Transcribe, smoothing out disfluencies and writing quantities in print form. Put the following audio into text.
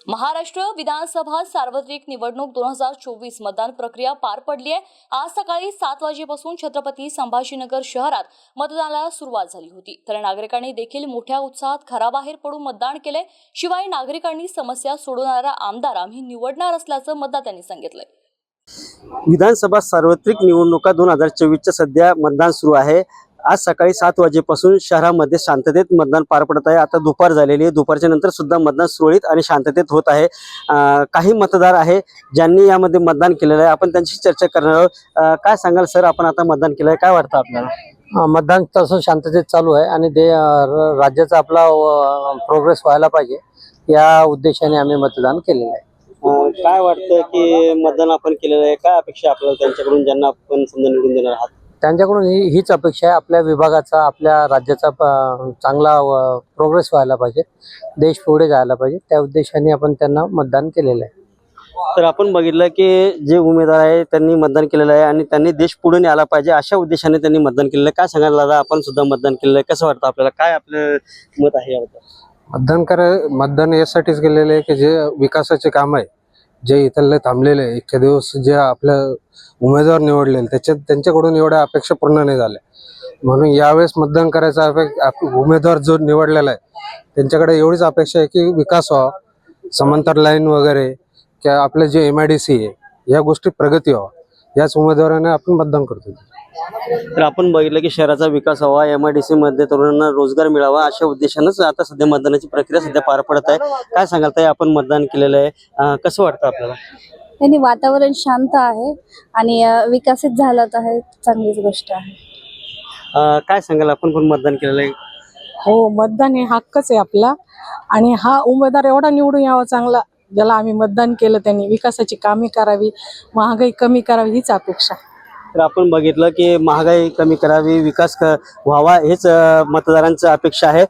महाराष्ट्र विधानसभा सार्वत्रिक निवडणूक 2024 मतदान प्रक्रिया पार पडली आहे। आज सकाळी 7 वाजेपासून छत्रपती संभाजीनगर शहरात मतदानाला सुरुवात झाली होती। तर नागरिकांनी देखील मोठ्या उत्साहात घराबाहेर पडून मतदान केले। शिवाय नागरिकांनी समस्या सोडवणारा आमदार आम्ही निवडणार असल्याचं मतदात्यांनी सांगितलंय। विधानसभा सार्वत्रिक निवडणुका 2024च्या सध्या मतदान सुरू आहे। आज सकाळी 7 वाजेपासून शहरामध्ये शांततेत मतदान पार पडत आहे। आता दुपार झालेली आहे, दुपारच्या नंतर सुद्धा मतदान सुरळीत आणि शांततेत होत आहे। काही मतदार आहे ज्यांनी यामध्ये मतदान केलेलं आहे, आपण त्यांची चर्चा करणार आहोत। काय सांगाल सर, आपण आता मतदान केलंय, काय वाटतं आपल्याला? मतदान तसं शांततेत चालू आहे आणि राज्याचा आपला प्रोग्रेस व्हायला पाहिजे या उद्देशाने आम्ही मतदान केलेलं आहे। काय वाटतं की मतदान आपण केलेलं आहे, काय अपेक्षा आपल्याला त्यांच्याकडून, ज्यांना आपण समजा निवडून देणार आहात? त्यांच्याकडून हीच अपेक्षा आहे, आपल्या विभागाचा, आपल्या राज्याचा चांगला प्रोग्रेस व्हायला पाहिजे, देश पुढे जायला पाहिजे, त्या उद्देशाने आपण त्यांना मतदान केलेलं आहे। तर आपण बघितलं की जे उमेदवार आहे त्यांनी मतदान केलेलं आहे आणि त्यांनी देश पुढे न्यायला पाहिजे अशा उद्देशाने त्यांनी मतदान केलेलं आहे। काय सांगायला दादा, आपण सुद्धा मतदान केलेलं आहे, कसं वाटतं आपल्याला, काय आपलं मत आहे याबद्दल? मतदान यासाठीच केलेलं आहे की जे विकासाचे काम आहे, जे इथले थांबलेले इतके दिवस जे आपल्या उमेदवार निवडलेले त्यांच्याकडून एवढ्या अपेक्षा पूर्ण नाही झाल्या, म्हणून यावेळेस मतदान करायचा उमेदवार जो निवडलेला आहे त्यांच्याकडे एवढीच अपेक्षा आहे की विकास व्हावा, समांतर लाईन वगैरे किंवा आपले जे MIDC आहे या गोष्टी प्रगती व्हावा, याच उमेदवाराने आपण मतदान करतो। तर आपण बघितलं की शहराचा विकास व्हावा, MIDC मध्ये तरुणांना रोजगार मिळावा अशा उद्देशानंच आता सध्या मतदानाची प्रक्रिया सध्या पार पडत आहे। काय सांगाल ताई, आपण मतदान केलेलं आहे, कसं वाटतं आपल्याला? त्यांनी वातावरण शांत आहे आणि विकसित झालं तर आहे, चांगलीच गोष्ट आहे। काय सांगाल, आपण पण मतदान केलेलं आहे? हो, मतदान हे हक्कच आहे आपला आणि हा उमेदवार एवढा निवडून यावा चांगला, ज्याला आम्ही मतदान केलं त्यांनी विकासाची कामे करावी, महागाई कमी करावी हीच अपेक्षा। तर आपण बघितलं की महागाई कमी करावी, विकास व्हावा हेच मतदारांचं अपेक्षा आहे।